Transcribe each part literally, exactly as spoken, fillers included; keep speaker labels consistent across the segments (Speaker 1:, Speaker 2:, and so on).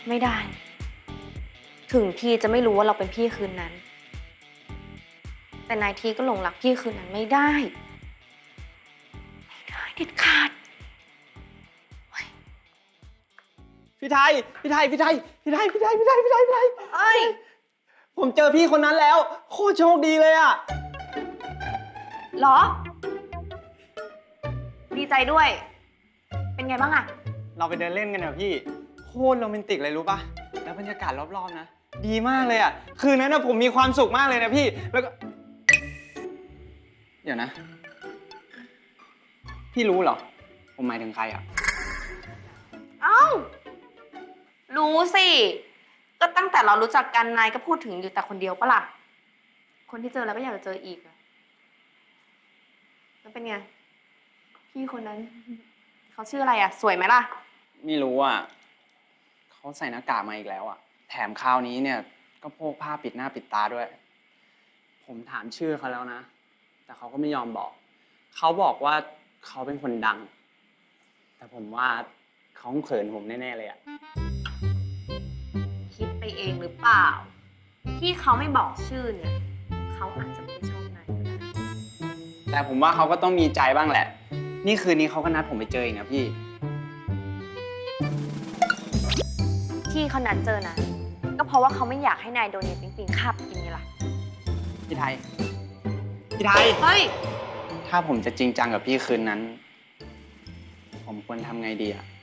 Speaker 1: ไม่ได้ถึงทีจะไม่รู้ว่าเราเป็นพี่คืนนั้นแต่นายทีก็หลงรักพี่คืนนั้นไม่ได้ไม่ได้เด็ดขาด
Speaker 2: พี่ไทยพี่ไทยพี่ไทยพี่ไทยพี่ไทยพี่ไทยพี่ไทยพี่ไทย
Speaker 1: เอ้ย
Speaker 2: ผมเจอพี่คนนั้นแล้วโคตรโชคดีเลยอะ
Speaker 1: หรอดีใจด้วยเป็นไงบ้างอะ
Speaker 2: เราไปเดินเล่นกันเถอะพี่โคตรโรแมนติกเลยรู้ปะแล้วบรรยากาศรอบๆนะดีมากเลยอะคืนนั้นนะผมมีความสุขมากเลยนะพี่แล้วก็เดี๋ยวนะ พี่รู้เหรอผมหมายถึงใครอะ
Speaker 1: เอ้ารู้สิก็ตั้งแต่เรารู้จักกันนายก็พูดถึงอยู่แต่คนเดียวปะล่ะคนที่เจอแล้วก็อยากจะเจออีกอะแล้วเป็นไงพี่คนนั้นเขาชื่ออะไรอะสวยไหมล่ะ
Speaker 2: ไม่รู้อ่ะเขาใส่หน้ากากมาอีกแล้วอ่ะแถมคราวนี้เนี่ยก็โพกผ้าปิดหน้าปิดตาด้วยผมถามชื่อเขาแล้วนะแต่เขาก็ไม่ยอมบอกเขาบอกว่าเขาเป็นคนดังแต่ผมว่าเขาเขินผมแน่ๆเลยอ่ะ
Speaker 1: คิดไปเองหรือเปล่าที่เขาไม่บอกชื่อเนี่ยเขาอาจจะไม่ชอบนายก็ได้
Speaker 2: แต่ผมว่าเขาก็ต้องมีใจบ้างแหละนี่คืนนี้เขาก็นัดผมไปเจออีกนะพี่
Speaker 1: ที่เขานัดเจอนะก็เพราะว่าเขาไม่อยากให้นายโดนเนยปิงปิงคาบกินไงล่ะ
Speaker 2: พี่ไทยพี่ไทย
Speaker 1: เฮ้ย
Speaker 2: ถ้าผมจะจริงจังกับพี่คืนนั้นผมควรทำไงดีอะ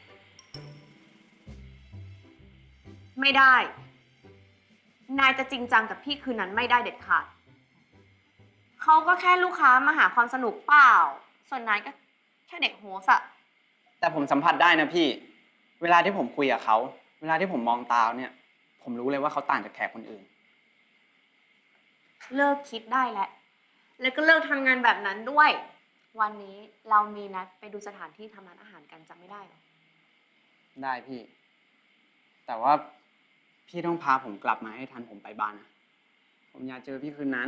Speaker 1: ไม่ได้นายจะจริงจังกับพี่คืนนั้นไม่ได้เด็ดขาดเขาก็แค่ลูกค้ามาหาความสนุกเปล่าส่วนนายก็แค่เด็กโฮสอะ
Speaker 2: แต่ผมสัมผัสได้นะพี่เวลาที่ผมคุยกับเขาเวลาที่ผมมองตาเนี่ยผมรู้เลยว่าเขาต่างจากแขกคนอื่น
Speaker 1: เลิกคิดได้แล้วแล้วก็เลิกทำงานแบบนั้นด้วยวันนี้เรามีนัดไปดูสถานที่ทำร้านอาหารกันจำไม่ได้หรอ
Speaker 2: ได้พี่แต่ว่าพี่ต้องพาผมกลับมาให้ทันผมไปบ้านนะผมอยากเจอพี่คืนนั้น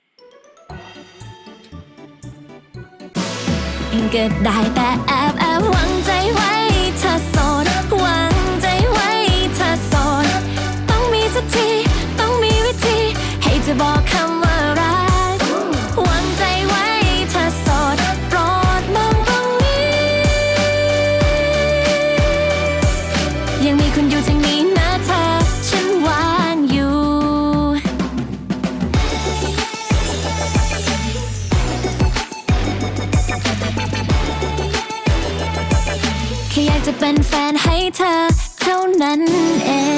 Speaker 3: ก็ได้แต่แอบแอบหวังใจไว้เธอโสดหวังใจไว้เธอโสดต้องมีสักทีต้องมีวิธีให้จะบอกคำว่ารักหวังใจไว้เธอโสดโปรดมองตรงนี้ยังมีคุณอยู่ทางนี้นะเธอฉันวางอยู่แค่อยากจะเป็นแฟนให้เธอเท่านั้นเอง